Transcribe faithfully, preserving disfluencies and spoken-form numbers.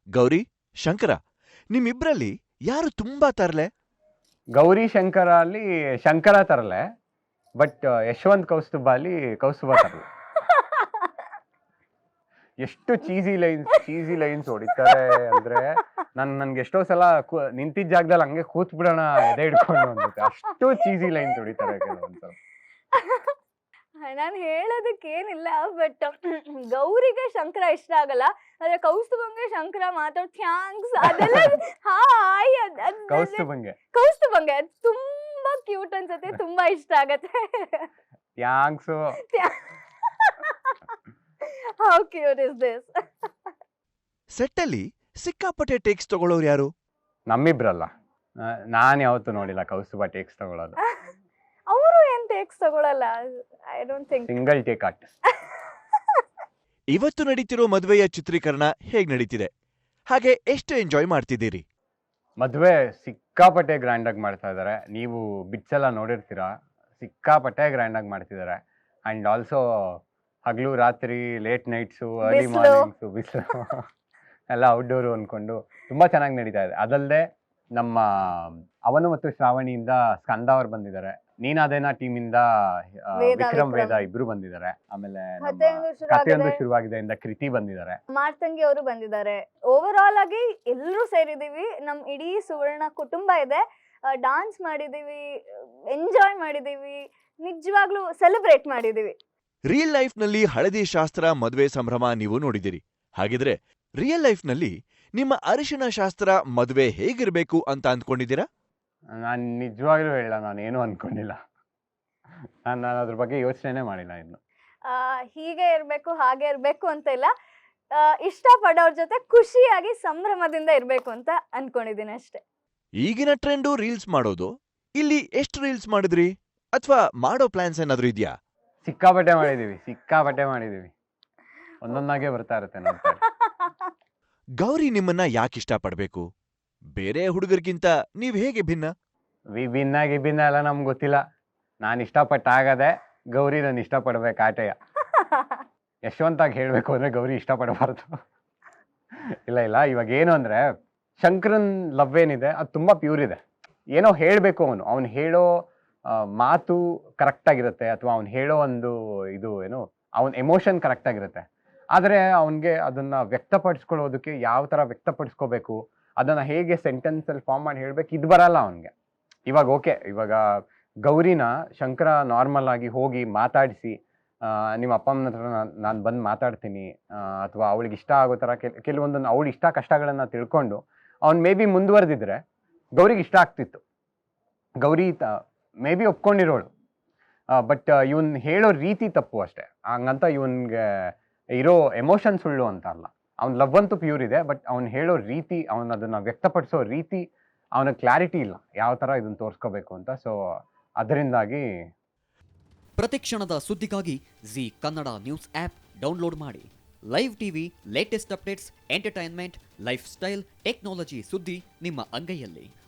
ಗೌರಿ, ಶಂಕರ, ನಿಮ್ಮಿಬ್ರಲ್ಲಿ ಯಾರು ತುಂಬಾ ತರ್ಲೆ? ಗೌರಿ ಶಂಕರ ಅಲ್ಲಿ ಶಂಕರ ತರಲೆ, ಬಟ್ ಯಶವಂತ್ ಕೌಸ್ತುಭ ಅಲ್ಲಿ ಕೌಸ್ತುಭ ತರಲೆ. ಎಷ್ಟು ಚೀಸಿ ಲೈನ್ಸ್ ಚೀಸಿ ಲೈನ್ಸ್ ಹೊಡಿತಾರೆ ಅಂದ್ರೆ ನನ್ ನನ್ಗೆ ಎಷ್ಟೋ ಸಲ ನಿಂತಿದ್ದ ಜಾಗದಲ್ಲಿ ಹಂಗೆ ಕೂತ್ ಬಿಡೋಣ ಎದೆ ಹಿಡ್ಕೊಂಡು ಅನ್ಸುತ್ತೆ. ಅಷ್ಟು ಚೀಸಿ ಲೈನ್ಸ್ ಹೊಡಿತಾರೆ ಕೆಲವೊಂದ್ಸಲ. ನಾನು ಹೇಳೋದಕ್ಕೆ ಏನಿಲ್ಲ, ಬಟ್ ಗೌರಿಗೆ ಶಂಕರ ಇಷ್ಟ ಆಗಲ್ಲ, ಆದ್ರೆ ಕೌಸ್ತುಭಂಗೆ ಶಂಕರ ಮಾತಾಡ್ ಥ್ಯಾಂಕ್ಸ್ ಅದೆಲ್ಲ ಹಾಯ್ ಕೌಸ್ತುಭಂಗೆ ಕೌಸ್ತುಭಂಗೆ ಅದು ತುಂಬಾ ಕ್ಯೂಟ್ ಅನ್ಸುತ್ತೆ, ತುಂಬಾ ಇಷ್ಟ ಆಗತ್ತೆ. Thanks. How cute is this. ಸೆಟ್ಟಲ್ಲಿ ಸಿಕ್ಕಾಪಟ್ಟೆ ಟೇಕ್ಸ್ ತಗೊಳ್ಳೋರು ಯಾರು? ನಮ್ಮಿಬ್ರಲ್ಲ, ನಾನ್ ಯಾವತ್ತೂ ನೋಡಿಲ್ಲ ಕೌಸ್ತುಭ ಟೇಕ್ಸ್ ತಗೊಳ್ಳೋದು. ಅವರು ಏನ್ ಟೇಕ್ಸ್ ತಗೊಳಲ್ಲ, I don't think. Single take artist. ಇವತ್ತು ನಡೀತಿರೋ ಮದುವೆಯ ಚಿತ್ರೀಕರಣ ಹೇಗ್ ನಡೀತಿದೆ? ಹಾಗೆ ಎಷ್ಟು ಎಂಜಾಯ್ ಮಾಡ್ತಿದ್ದೀರಿ? ಮದುವೆ ಸಿಕ್ಕಾಪಟ್ಟೆ ಗ್ರ್ಯಾಂಡ್ ಆಗಿ ಮಾಡ್ತಾ ಇದ್ದಾರೆ. ನೀವು ಬಿಟ್ಸ್ ಎಲ್ಲ ನೋಡಿರ್ತೀರಾ, ಸಿಕ್ಕಾಪಟ್ಟೆ ಗ್ರ್ಯಾಂಡ್ ಆಗಿ ಮಾಡ್ತಿದ್ದಾರೆ. ಅಂಡ್ ಆಲ್ಸೋ ಹಗಲು ರಾತ್ರಿ ಲೇಟ್ ನೈಟ್ಸು ಅರ್ಲಿ ಮಾರ್ನಿಂಗ್ಸು ಬಿಸಿಲು ಎಲ್ಲ ಔಟ್ಡೋರು ಅನ್ಕೊಂಡು ತುಂಬಾ ಚೆನ್ನಾಗಿ ನಡೀತಾ ಇದೆ. ಅದಲ್ಲದೆ ನಮ್ಮ ಅವನು ಮತ್ತು ಶ್ರಾವಣಿಯಿಂದ ಸ್ಕಂದ ಅವ್ರು ಬಂದಿದ್ದಾರೆ. ನೀನಾದೇನಾ ಟೀಮ್ ಇಂದ ವಿಕ್ರಮ್ ವೇದ ಇಬ್ರು ಬಂದಿದ್ದಾರೆ. ಆಮೇಲೆ ಕಥೆಯೊಂದು ಶುರುವಾಗಿದೆ ಇಂದ ಕೃತಿ ಬಂದಿದ್ದಾರೆ. ಮಾರ್ತಂಗಿ ಅವರು ಬಂದಿದ್ದಾರೆ. ಓವರ್ ಆಲ್ ಆಗಿ ಎಲ್ಲರೂ ಸೇರಿದೀವಿ. ನಮ್ ಇಡೀ ಸುವರ್ಣ ಕುಟುಂಬ ಇದೆ. ಡಾನ್ಸ್ ಮಾಡಿದೀವಿ, ಎಂಜಾಯ್ ಮಾಡಿದೀವಿ, ನಿಜವಾಗ್ಲೂ ಸೆಲೆಬ್ರೇಟ್ ಮಾಡಿದೀವಿ. ರಿಯಲ್ ಲೈಫ್ ನಲ್ಲಿ ಹಳದಿ ಶಾಸ್ತ್ರ ಮದುವೆ ಸಂಭ್ರಮ ನೀವು ನೋಡಿದಿರಿ. ಹಾಗಿದ್ರೆ ರಿಯಲ್ ಲೈಫ್ ನಲ್ಲಿ ನಿಮ್ಮ ಅರಿಶಿನ ಶಾಸ್ತ್ರ ಮದುವೆ ಹೇಗಿರ್ಬೇಕು ಅಂತ ಅಂದ್ಕೊಂಡಿದ್ದೀರಾ? ನಾನ್ ನಿಜವಾಗ್ಲೂ ಹೇಳ, ನಾನು ಏನು ಅನ್ಕೊಂಡಿಲ್ಲ. ನಾನು ನಾನು ಅದ್ರ ಬಗ್ಗೆ ಯೋಚನೆ ಮಾಡಿಲ್ಲ ಇನ್ನು. ಆ ಹೀಗೆ ಇರ್ಬೇಕು ಹಾಗೆ ಇರ್ಬೇಕು ಅಂತ ಇಲ್ಲ, ಇಷ್ಟ ಪಡೋರ್ ಜೊತೆ ಖುಷಿಯಾಗಿ ಸಂಭ್ರಮದಿಂದ ಇರ್ಬೇಕು ಅಂತ ಅನ್ಕೊಂಡಿದ್ದೀನಿ ಅಷ್ಟೇ. ಈಗಿನ ಟ್ರೆಂಡು ರೀಲ್ಸ್ ಮಾಡೋದು. ಇಲ್ಲಿ ಎಷ್ಟು ರೀಲ್ಸ್ ಮಾಡಿದ್ರಿ ಅಥವಾ ಮಾಡೋ ಪ್ಲಾನ್ಸ್ ಏನಾದ್ರೂ ಇದೆಯಾ? ಸಿಕ್ಕಾಪಟ್ಟೆ ಮಾಡಿದೀವಿ, ಸಿಕ್ಕಾಪಟ್ಟೆ ಮಾಡಿದೀವಿ. ಒಂದೊಂದಾಗೆ ಬರ್ತಾ ಇರುತ್ತೆ ನೋಡ್ತಾ. ಗೌರಿ ನಿಮ್ಮನ್ನ ಯಾಕೆ ಇಷ್ಟ ಪಡ್ಬೇಕು? ಬೇರೆ ಹುಡುಗರಿಗಿಂತ ನೀವ್ ಹೇಗೆ ಭಿನ್ನ? ವಿ ಭಿನ್ನ ಗಿಭಿನ್ನ ಎಲ್ಲ ನಮ್ಗೆ ಗೊತ್ತಿಲ್ಲ. ನಾನು ಇಷ್ಟಪಟ್ಟಾಗದೆ ಗೌರಿ ನಾನು ಇಷ್ಟಪಡ್ಬೇಕು ಆಟೆಯ. ಯಶವಂತಾಗಿ ಹೇಳ್ಬೇಕು ಅಂದ್ರೆ ಗೌರಿ ಇಷ್ಟಪಡಬಾರ್ದು. ಇಲ್ಲ ಇಲ್ಲ ಇವಾಗ ಏನು ಅಂದ್ರೆ ಶಂಕರನ್ ಲವ್ ಏನಿದೆ ಅದು ತುಂಬಾ ಪ್ಯೂರ್ ಇದೆ. ಏನೋ ಹೇಳ್ಬೇಕು, ಅವನು ಅವ್ನು ಹೇಳೋ ಮಾತು ಕರೆಕ್ಟ್ ಆಗಿರುತ್ತೆ, ಅಥವಾ ಅವ್ನು ಹೇಳೋ ಒಂದು ಇದು ಏನು ಅವನ್ ಎಮೋಷನ್ ಕರೆಕ್ಟ್ ಆಗಿರುತ್ತೆ. ಆದ್ರೆ ಅವನ್ಗೆ ಅದನ್ನ ವ್ಯಕ್ತಪಡಿಸ್ಕೊಳ್ಳೋದಕ್ಕೆ ಯಾವ ತರ ವ್ಯಕ್ತಪಡಿಸ್ಕೋಬೇಕು, ಅದನ್ನ ಹೇಗೆ ಸೆಂಟೆನ್ಸ್ ಅಲ್ಲಿ ಫಾರ್ಮ್ ಮಾಡಿ ಹೇಳ್ಬೇಕು, ಇದು ಬರಲ್ಲ ಅವನ್ಗೆ. ಇವಾಗ ಓಕೆ, ಇವಾಗ ಗೌರಿನ ಶಂಕರ ನಾರ್ಮಲ್ ಆಗಿ ಹೋಗಿ ಮಾತಾಡಿಸಿ, ನಿಮ್ಮ ಅಪ್ಪ ಅಮ್ಮನ ಹತ್ರ ನಾನು ಬಂದು ಮಾತಾಡ್ತೀನಿ, ಅಥವಾ ಅವಳಿಗೆ ಇಷ್ಟ ಆಗೋ ತರ ಕೆಲವೊಂದನ್ನು ಅವಳು ಇಷ್ಟ ಕಷ್ಟಗಳನ್ನ ತಿಳ್ಕೊಂಡು ಅವ್ನು ಮೇ ಬಿ ಮುಂದುವರೆದಿದ್ರೆ ಗೌರಿಗೆ ಇಷ್ಟ ಆಗ್ತಿತ್ತು. ಗೌರಿ ಮೇ ಬಿ ಒಪ್ಕೊಂಡಿರೋಳು, ಬಟ್ ಇವನ್ ಹೇಳೋ ರೀತಿ ತಪ್ಪು ಅಷ್ಟೇ. ಹಂಗಂತ ಇವನ್ಗೆ ಇರೋ ಎಮೋಷನ್ ಸುಳ್ಳು ಅಂತ ಅಲ್ಲ. ಅವ್ನ ಲವ್ ಅಂತೂ ಪ್ಯೂರ್ ಇದೆ, ಬಟ್ ಅವ್ನು ಹೇಳೋ ರೀತಿ, ಅವನ ಅದನ್ನ ವ್ಯಕ್ತಪಡಿಸೋ ರೀತಿ, ಅವನ ಕ್ಲಾರಿಟಿ ಇಲ್ಲ ಯಾವ ತರ ಇದನ್ನ ತೋರಿಸ್ಕೋಬೇಕು ಅಂತ. ಸೊ ಅದರಿಂದಾಗಿ ಪ್ರತಿಕ್ಷಣದ ಸುದ್ದಿಗಾಗಿ Zee Kannada news app download ಮಾಡಿ. Live TV, latest updates, entertainment, lifestyle, technology ಸುದ್ದಿ ನಿಮ್ಮ ಅಂಗೈಯಲ್ಲಿ.